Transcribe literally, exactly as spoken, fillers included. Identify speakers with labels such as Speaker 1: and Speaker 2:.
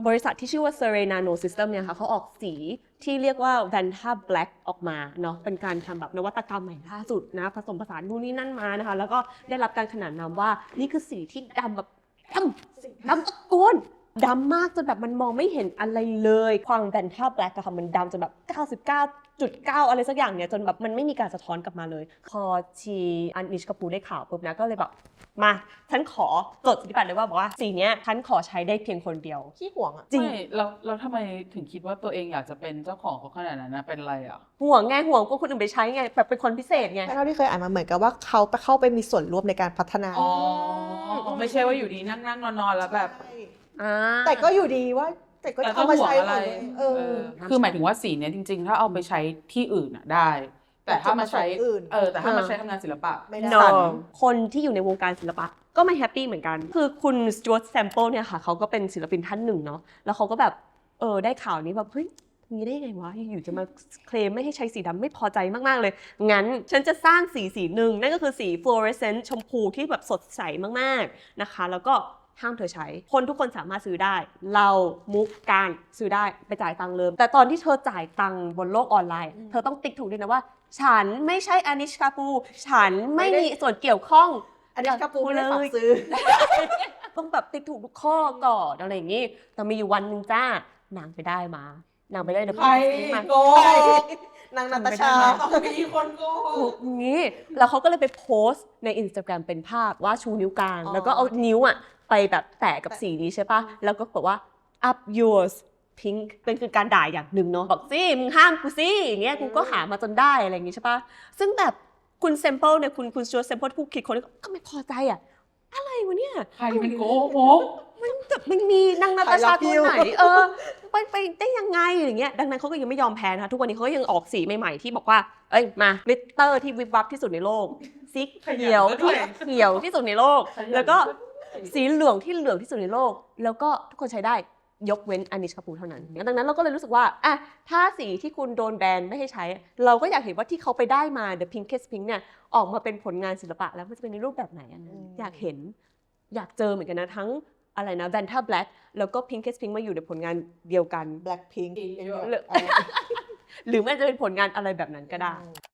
Speaker 1: บริษัทที่ชื่อว่า Surrey Nano System เนี่ยค่ะเขาออกสีที่เรียกว่า Vanta Black ออกมาเนาะเป็นการทำแบบนวัตกรรมใหม่ล่าสุดนะผสมผสานนู่นนี่นั่นมานะคะแล้วก็ได้รับการขนานนามว่านี่คือสีที่ดำแบบดำดำตะโกนดำมากจนแบบมันมองไม่เห็นอะไรเลยความ Vanta Black อะค่ะมันดำจนแบบ เก้าสิบเก้าจุดเก้า อะไรสักอย่างเนี่ยจนแบบมันไม่มีการสะท้อนกลับมาเลยพอชีอันนิชกาปูได้ข่าวปุ๊บนะก็เลยแบบมาฉันขอจดสิทธิบัตรเลยว่าบอกว่าสีเนี้ยฉันขอใช้ได้เพียงคนเดียว
Speaker 2: ขี้ห่วงอ่ะ
Speaker 1: จริง
Speaker 3: ไม่เราเราทำไมถึงคิดว่าตัวเองอยากจะเป็นเจ้าของเขาขนาดนั้นนะเป็นอะไรอ่ะ
Speaker 1: ห่วงไงห่วงก็คนอื่นไปใช้ไงแบบเป็นคนพิเศษไง
Speaker 2: เท่าที่เคยอ่านมาเหมือนกับว่าเขาไปเข้าไปมีส่วนร่วมในการพัฒนา
Speaker 3: อ๋อไม่ใช่ว่าอยู่ดีนั่งนั่งนอนนอนแล้วแบบ
Speaker 1: อ่า
Speaker 2: แต่ก็อยู่ดีว่าแต่ก็
Speaker 3: แต่
Speaker 2: เอามาใช้
Speaker 3: ห่วงอะไร
Speaker 2: เออ
Speaker 3: คือหมายถึงว่าสีเนี้ยจริงๆ ถ้าเอาไปใช้ที่อื่นอ่ะได้ แต่ถ้ามาใช้
Speaker 2: อื่น
Speaker 3: เออแต่ถ้ามาใช้ทำงานศิลปะ
Speaker 2: ไม่ได้
Speaker 1: no คนที่อยู่ในวงการศิลปะก็ไม่แฮปปี้เหมือนกันคือคุณสจ๊วตแซมเปิลเนี่ยค่ะเขาก็เป็นศิลปินท่านหนึ่งเนาะแล้วเขาก็แบบเออได้ข่าวนี้แบบเฮ้ยมีได้ยังไงวะอยู่จะมาเคลมไม่ให้ใช้สีดำไม่พอใจมากๆเลยงั้นฉันจะสร้างสีสีหนึ่งนั่นก็คือสีฟลูออเรสเซนต์ชมพูที่แบบสดใสมากๆนะคะแล้วก็ห้ามเธอใช้คนทุกคนสามารถซื้อได้เรามุกการซื้อได้ไปจ่ายตังค์เลยแต่ตอนที่เธอจ่ายตังค์บนโลกออนไลน์เธอต้องติ๊กถูกด้วยนะว่าฉันไม่ใช่อานิชกาปูฉันไม่มีส่วนเกี่ยวข้อง
Speaker 2: อันนี้กระปูไม่ได้ฝากซื้อ
Speaker 1: ต้องแบบติ๊กถูกทุกข้อก่อนอะไรอย่างงี้แต่มีอยู่วันหนึ่งจ้านางไปได้มานางไปได้เดี๋ยว
Speaker 3: ใคร
Speaker 1: มา
Speaker 3: โกง
Speaker 2: นางนาตาชา
Speaker 3: ต้องมีคนโกง
Speaker 1: ถูกอย่างงี้แล้วเขาก็เลยไปโพสต์ใน Instagram เป็นภาพว่าชูนิ้วกลาง
Speaker 2: อ๋อ
Speaker 1: แล้วก็เอานิ้วอ่ะไปแบบแตะกับสีนี้ใช่ปะแล้วก็บอกว่า up yours pink เป็นคือการด่าอย่างหนึ่งเนาะบอกสิมึงห้ามกูสิอย่างเงี้ยกูก็หามาจนได้อะไรอย่างงี้ใช่ปะซึ่งแบบคุณเซมเปิลเนี่ยคุณคุณสจวตเซมเปิลผู้คิดคนนี้ก็ไม่พอใจอ่ะอะไรวะเนี่ย
Speaker 3: ใครเป็นโกง
Speaker 1: มันแบบมันมีนางนาตาชาตัวไหนเออไปไปได้ยังไงอย่างเงี้ยดังนั้นเขาก็ยังไม่ยอมแพ้นะคะทุกวันนี้เขาก็ยังออกสีใหม่ๆที่บอกว่าเอ้ยมากลิตเตอร์ที่วิบวับที่สุดในโลกสีเขียวที่เขียวที่สุดในโลก แล้วก็สีเหลืองที่เหลืองที่สุดในโลก แล้วก็ทุกคนใช้ได้ยกเว้นอานิชกาปูเท่านั้นดังนั้นเราก็เลยรู้สึกว่าอ่ะถ้าสีที่คุณโดนแบนไม่ให้ใช้ เราก็อยากเห็นว่าที่เขาไปได้มา The Pinkest Pink เนี่ยออกมาเป็นผลงานศิลปะแล้วมันจะเป็นในรูปแบบไหนอะอยากเห็นอยากเจอเหมือนกันนะทั้งอะไรนะ Vanta Black แล้วก็ Pinkest Pink มาอยู่ในผลงานเดียวกัน
Speaker 2: Blackpink
Speaker 1: หรือหรือมันจะเป็นผลงานอะไรแบบนั้นก็ได้